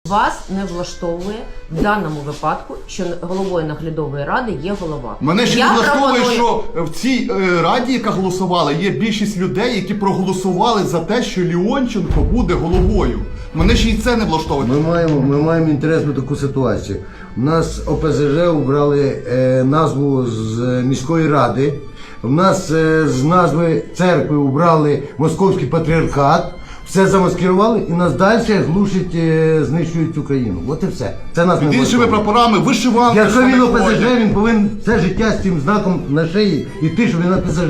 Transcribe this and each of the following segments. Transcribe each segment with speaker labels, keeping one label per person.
Speaker 1: Вас не влаштовує в даному випадку, що головою наглядової ради є голова.
Speaker 2: Мене ще не влаштовує, що в цій раді, яка голосувала, є більшість людей, які проголосували за те, що Леонченко буде головою. Мене ще й це не влаштовує.
Speaker 3: Ми маємо інтересну таку ситуацію. У нас ОПЗЖ обрали назву з міської ради. У нас з назви церкви обрали Московський патріархат. Все замаскирували і нас далі глушать, знищують Україну. От і все. Це нас не
Speaker 2: Під іншими прапорами, вишиванки.
Speaker 3: Якщо він ОПЗЖ, він повинен все життя з цим знаком на шиї йти, що він ОПЗЖ.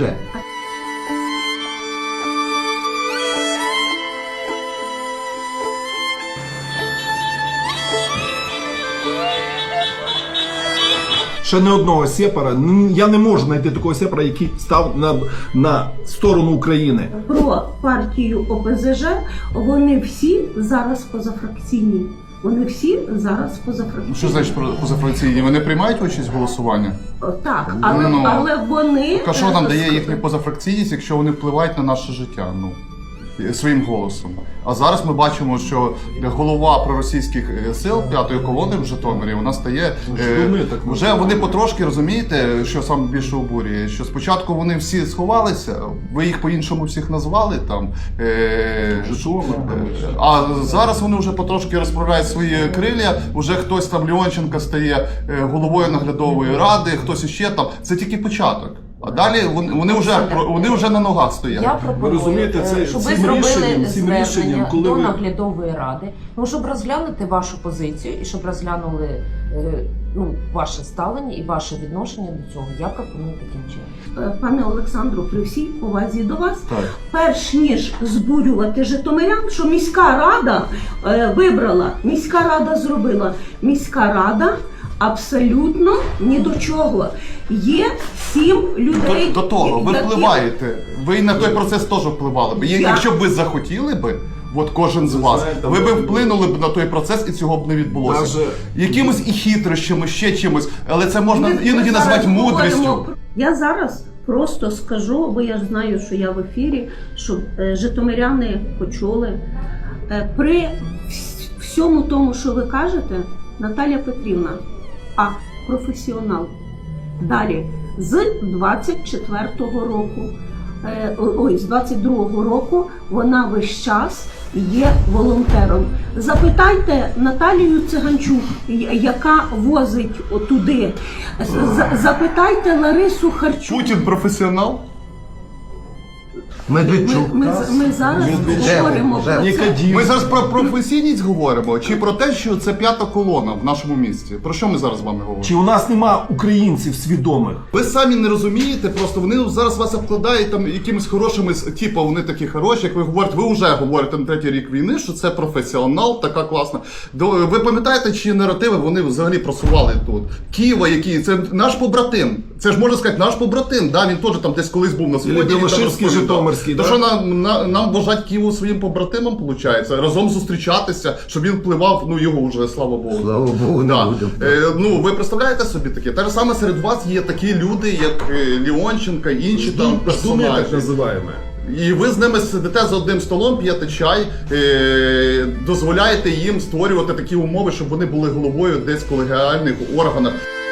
Speaker 4: Ще не одного сепара, я не можу знайти такого сепара, який став на сторону України.
Speaker 5: Про партію ОПЗЖ, вони всі зараз позафракційні. Вони всі зараз позафракційні.
Speaker 2: Що значить позафракційні? Вони приймають участь в голосуванні?
Speaker 5: Так, але вони...
Speaker 2: А що нам дає їхня позафракційність, якщо вони впливають на наше життя? Своїм голосом. А зараз ми бачимо, що голова проросійських сил п'ятої колони в Житомирі, вона стає... вже вони потрошки, розумієте, що саме більше обурює, що спочатку вони всі сховалися, ви їх по-іншому всіх назвали, там, а зараз вони вже потрошки розправляють свої крилля, вже хтось там, Леонченко стає головою наглядової ради, хтось іще там, це тільки початок. А далі вони вже на ногах стоять.
Speaker 1: Я пропоную, щоб ви зробили звернення до наглядової ради, щоб розглянути вашу позицію і щоб розглянули ваше ставлення і ваше відношення до цього. Я пропоную таким чином.
Speaker 5: Пане Олександру, при всій повазі до вас, перш ніж збурювати житомирян, що міська рада вибрала, міська рада зробила, міська рада абсолютно ні до чого. Є 7 людей.
Speaker 2: До того, ви впливаєте. Ви на той процес теж впливали б. Якщо б ви захотіли би, от кожен з вас, ви б вплинули б на той процес і цього б не відбулося. Якимось і хитрощами, ще чимось, але це можна іноді назвати мудрістю.
Speaker 5: Я зараз просто скажу, бо я ж знаю, що я в ефірі, щоб житомиряни почули. При всьому тому, що ви кажете, Наталя Петрівна, професіонал. Далі, з 24-го року, з 22-го року вона весь час є волонтером. Запитайте Наталію Циганчук, яка возить отуди. Запитайте Ларису Харчук.
Speaker 2: Путін професіонал?
Speaker 3: Медведчук.
Speaker 5: Ми зараз говоримо про це.
Speaker 2: Ми зараз про професійність говоримо, чи про те, що це п'ята колона в нашому місті? Про що ми зараз з вами говоримо?
Speaker 4: Чи у нас нема українців свідомих?
Speaker 2: Ви самі не розумієте, просто вони зараз вас обкладають там якимись хорошими, типу вони такі хороші, як ви говорите, ви вже говорите на 3-й рік війни, що це професіонал, така класна. Ви пам'ятаєте, чи наративи вони взагалі просували тут? Києва, який, це наш побратим. Це ж можна сказати, наш побратим, да? Він теж там десь колись був на сході.
Speaker 4: Білоширський, Житомирський.
Speaker 2: То що нам вважать Києву своїм побратимом, виходить, разом зустрічатися, щоб він впливав, його вже, слава Богу.
Speaker 3: Слава Богу, не будемо.
Speaker 2: Ви представляєте собі таке? Те ж саме серед вас є такі люди, як Леонченко, інші там персонажі.
Speaker 4: Так називаємо.
Speaker 2: І ви з ними сидите за одним столом, п'єте чай, дозволяєте їм створювати такі умови, щоб вони були головою десь в колегіальних органах.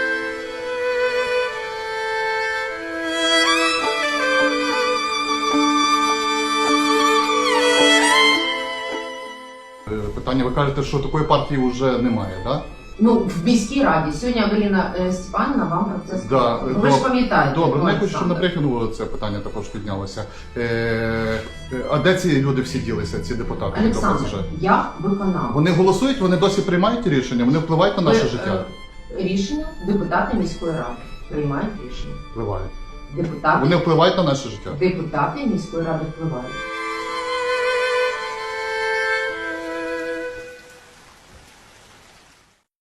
Speaker 2: Питання, ви кажете, що такої партії вже немає, так?
Speaker 1: В міській раді. Сьогодні Авеліна Степанівна вам про це сказала. Ви ж пам'ятаєте.
Speaker 2: Добре, я хочу, щоб на брифінгу це питання також піднялося. А де ці люди всі ділися, ці депутати?
Speaker 1: Олександр, я виконав.
Speaker 2: Вони голосують, вони досі приймають рішення, вони впливають на наше життя?
Speaker 1: Рішення депутати міської ради приймають рішення.
Speaker 2: Впливають.
Speaker 1: Депутати.
Speaker 2: Вони впливають на наше життя?
Speaker 1: Депутати міської ради впливають.